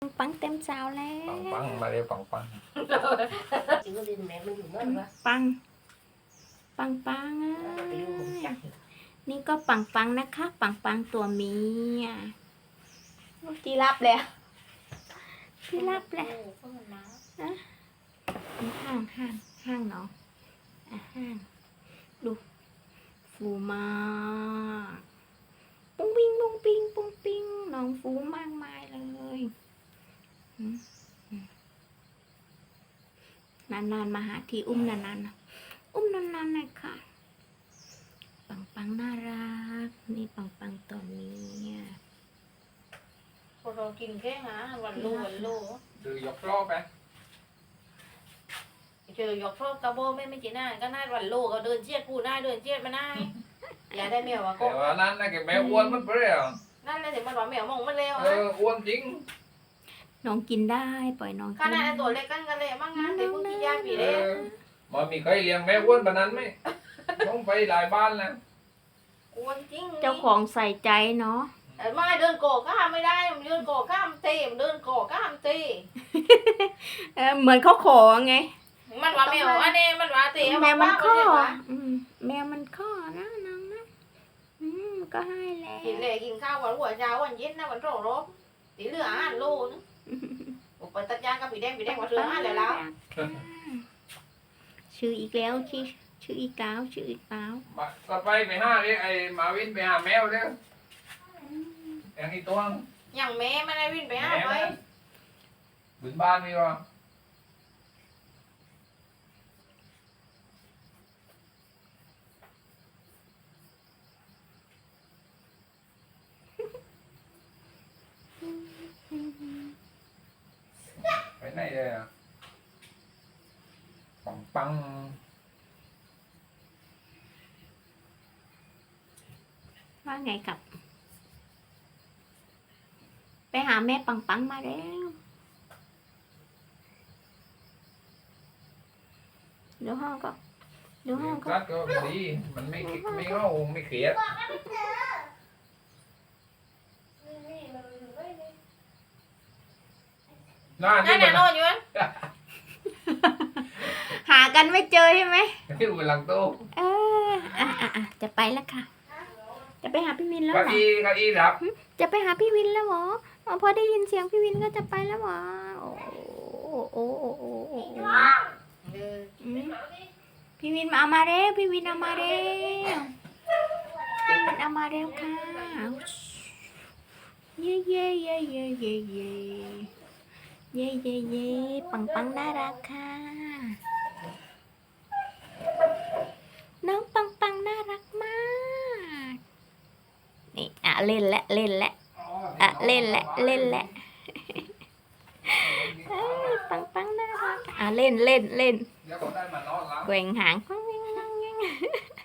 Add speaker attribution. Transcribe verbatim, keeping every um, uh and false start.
Speaker 1: ปังเต็มสาวแล้ว
Speaker 2: ปังปังมาเร็วปังปัง
Speaker 3: chỉ có đi mẹ mình dùng nó mà
Speaker 1: ปังปังปังอ่ะ
Speaker 3: cái dùng một chắc
Speaker 1: นี่ก็ปังปังนะคะ ปังปังตัวเมียที่รับแล้วที่รับแล้วนะห้างห้างห้างเนาะอ่ะห้างดูฟูมากปุ้งปิ้งปุ้งปิ้งปุ้งปิ้งน้องฟูมากมายเลยอืมอืมนานๆมาหาทีอุ้มนานๆนะอุ้มนานๆหน่อยค่ะ ปังปังน่ารักนี่ปังปังตัวเมีย
Speaker 4: พอเรากินแค่หาวันลูวันลู
Speaker 2: ดูยกรอบไป
Speaker 4: เจอยกพวกกระโบไม่ไม่จีน่าก็น่าวันลูก็เดินเชียดกูได้เดินเชียดมาได้อย่าได้แมวว่าก็
Speaker 2: แต่ว่านั้นนะแกแม่อ้วนมันเปรี้ยว
Speaker 4: นั่นเลยถึงมันว่าแมวมองมันเร็ว
Speaker 2: เอออ้วนจริง
Speaker 1: น้องกินได้ปล่อยน้อง
Speaker 4: ข
Speaker 1: กิน
Speaker 4: นาดตัวเล็กกันกันเลยมั่งนะเด็กพวกกินยาปี
Speaker 2: เอ
Speaker 4: เล็ก
Speaker 2: อมันมีใครเลี้ยงแม่อ้วนแบบนั้นไหมต้องไปหลายบ้านแล้ว
Speaker 4: อ้วนจริง
Speaker 1: เจ้าของใส่ใจเนาะ
Speaker 4: ไม่เดินโกะข้ามไม่ได้มันเดินโกะข้ามตีมันเดินโกะข้ามตี
Speaker 1: เออเหมือนเขาขอไง
Speaker 4: มันว่าแมวอันนี้มันว่าตี
Speaker 1: แมวมันข้ออืมแมวมันข้อนะน้องนะอืมก็ให้แล้ว
Speaker 4: กินเลยกินข้าววันหัวเช้าวันเย็นนะวันโรรบตีเหลืออาหารลูนึงไปตัดยางกับปีแดงปีแดงว่าเรืออาหารแล้ว
Speaker 1: ชื่ออีกแล้วชื่อชื่ออีกเก้าชื่ออีกเก้า
Speaker 2: มาก็ไปไปห้าเลยไอ้มาวินไปหาแมวเด้ออย่างนี้ตัว
Speaker 4: อย่างแม่มันได้วิ่งไปหาไป
Speaker 2: บึงบ้านมีวะไปไหนเลยอ่ะปังปัง
Speaker 1: ว่าไงกับ ไปหาแม่ปังปังมาแล้วเดี๋ยวห้องก็เดี๋ยวห้องก็
Speaker 2: รัดก็ดีมันไม่ไม่เข้าไม่เครียดน่า
Speaker 4: นั่
Speaker 2: นี่
Speaker 4: น
Speaker 2: มั
Speaker 4: น่ะ
Speaker 2: น
Speaker 4: นอนอยู่
Speaker 1: หากันไม่เจอใช่ไหม
Speaker 2: ที่อยู่หลังโต๊ะ
Speaker 1: เอออ่ะอ่ะอ่ะจะไปแล้วค่ะ จะไปหาพี่วินแล้ว
Speaker 2: เก้า
Speaker 1: เหรอ
Speaker 2: อี้เก้าอี้ครับ
Speaker 1: จะไปหาพี่วินแล้วเหรออ๋อพอได้ยินเสียงพี่วินก็จะไปแล้วเหรอโอ้โอ้โอ้โอ้โอ้โอ้อืมพี่วินมาเอามาเร็วพี่วินเอามาเร็วพี่วินเอามาเร็วค่ะเย่เย่เย่เย่เย่เย่เย่เย่เย่ปังปังน่ารักค่ะน้องปังปังน่ารักมากนี่อ่ะเล่นและเล่นและอ่ะเล่นและเล่นและเอ้ยปังปังน่ารักอ่ะเล่นเล่นเล่น
Speaker 2: เดี๋ยวผมได้มานอนแล้ว
Speaker 1: แกว่งหางแกว่งแกว่งแกว่ง